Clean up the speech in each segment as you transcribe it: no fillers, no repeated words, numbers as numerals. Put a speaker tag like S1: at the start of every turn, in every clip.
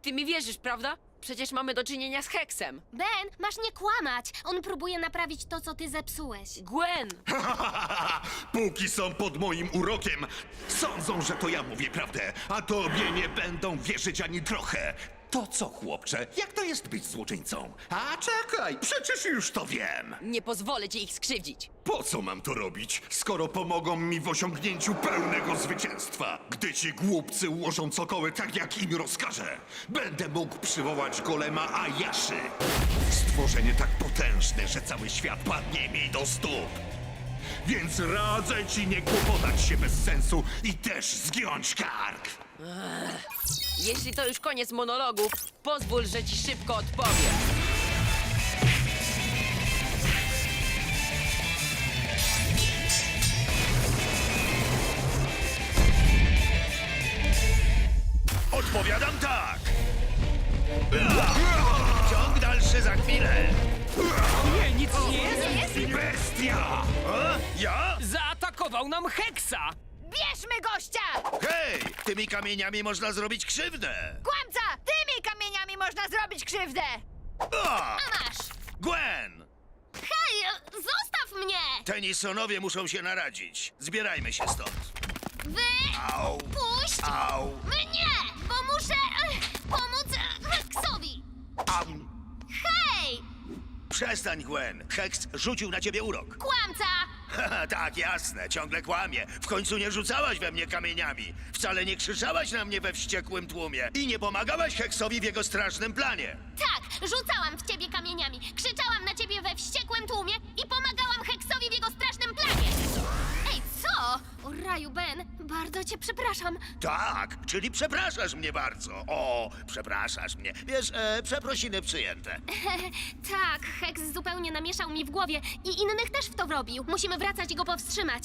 S1: Ty mi wierzysz, prawda? Przecież mamy do czynienia z Heksem.
S2: Ben, masz nie kłamać. On próbuje naprawić to, co ty zepsułeś.
S1: Gwen!
S3: Póki są pod moim urokiem, sądzą, że to ja mówię prawdę, a tobie nie będą wierzyć ani trochę. To co, chłopcze? Jak to jest być złoczyńcą? A czekaj, przecież już to wiem.
S1: Nie pozwolę ci ich skrzywdzić.
S3: Po co mam to robić, skoro pomogą mi w osiągnięciu pełnego zwycięstwa? Gdy ci głupcy ułożą cokoły tak, jak im rozkażę, będę mógł przywołać golema Ayaszy. Stworzenie tak potężne, że cały świat padnie mi do stóp. Więc radzę ci nie kłopotać się bez sensu i też zgiąć kark.
S1: Jeśli to już koniec monologów, pozwól, że ci szybko odpowiem.
S4: Odpowiadam tak! Ciąg dalszy za chwilę!
S5: Nie, nic nie jest!
S3: Bestia!
S4: Ja?
S5: Zaatakował nam Heksa!
S6: Bierzmy gościa!
S4: Hej! Tymi kamieniami można zrobić krzywdę!
S6: Kłamca! Tymi kamieniami można zrobić krzywdę!
S4: A!
S2: Masz!
S4: Gwen!
S2: Hej, zostaw mnie!
S4: Tenisonowie muszą się naradzić. Zbierajmy się stąd.
S2: Wy...
S4: Au!
S2: Puść
S4: Au!
S2: mnie! Bo muszę pomóc Heksowi!
S4: Au!
S2: Hej!
S4: Przestań, Gwen! Heks rzucił na ciebie urok.
S2: Kłamca!
S4: Haha, tak, jasne, ciągle kłamie. W końcu nie rzucałaś we mnie kamieniami. Wcale nie krzyczałaś na mnie we wściekłym tłumie. I nie pomagałaś Heksowi w jego strasznym planie.
S2: Tak, rzucałam w ciebie kamieniami, krzyczałam na ciebie we wściekłym tłumie i pomagałam Heksowi w jego strasznym planie! Ej, co? O raju, Ben, bardzo cię przepraszam.
S4: Tak, czyli przepraszasz mnie bardzo. O, przepraszasz mnie. Wiesz, przeprosiny przyjęte.
S2: Tak, Heks zupełnie namieszał mi w głowie i innych też w to wrobił. Musimy wracać i go powstrzymać.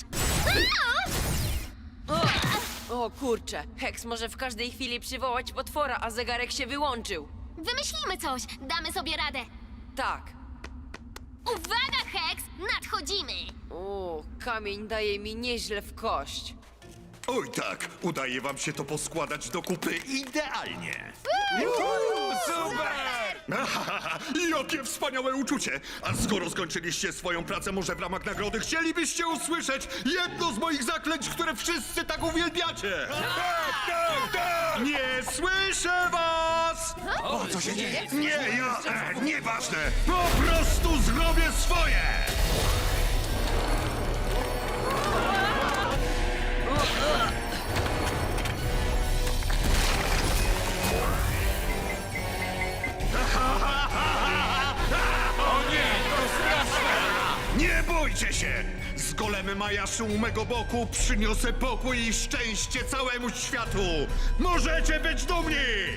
S1: O kurczę, Heks może w każdej chwili przywołać potwora, a zegarek się wyłączył.
S2: Wymyślimy coś, damy sobie radę.
S1: Tak.
S2: Uwaga, Heks, nadchodzimy!
S1: O, kamień daje mi nieźle w kość.
S3: Oj tak, udaje wam się to poskładać do kupy idealnie.
S5: Super!
S3: Jakie wspaniałe uczucie! A skoro skończyliście swoją pracę, może w ramach nagrody chcielibyście usłyszeć jedno z moich zaklęć, które wszyscy tak uwielbiacie? Tak! Nie słyszę was!
S5: O, co się dzieje?
S3: Nie, nieważne! Po prostu zrobię swoje! Nie bójcie się! Z golemem Ayaszu u mego boku przyniosę pokój i szczęście całemu światu! Możecie być dumni!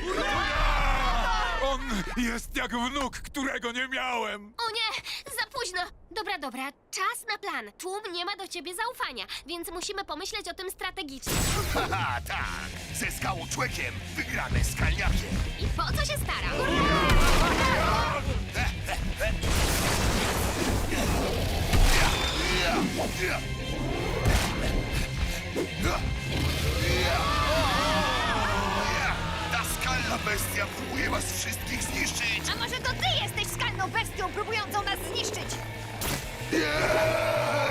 S7: On jest jak wnuk, którego nie miałem.
S2: O nie, za późno. Dobra, czas na plan. Tłum nie ma do ciebie zaufania, więc musimy pomyśleć o tym strategicznie.
S4: Haha, tak. Ze skałczłekiem wygramy skalniakiem.
S2: I po co się starał?
S4: Ta skalna bestia próbuje was wszystkich zniszczyć.
S6: A może to ty jesteś skalną bestią próbującą nas zniszczyć?
S4: Nie!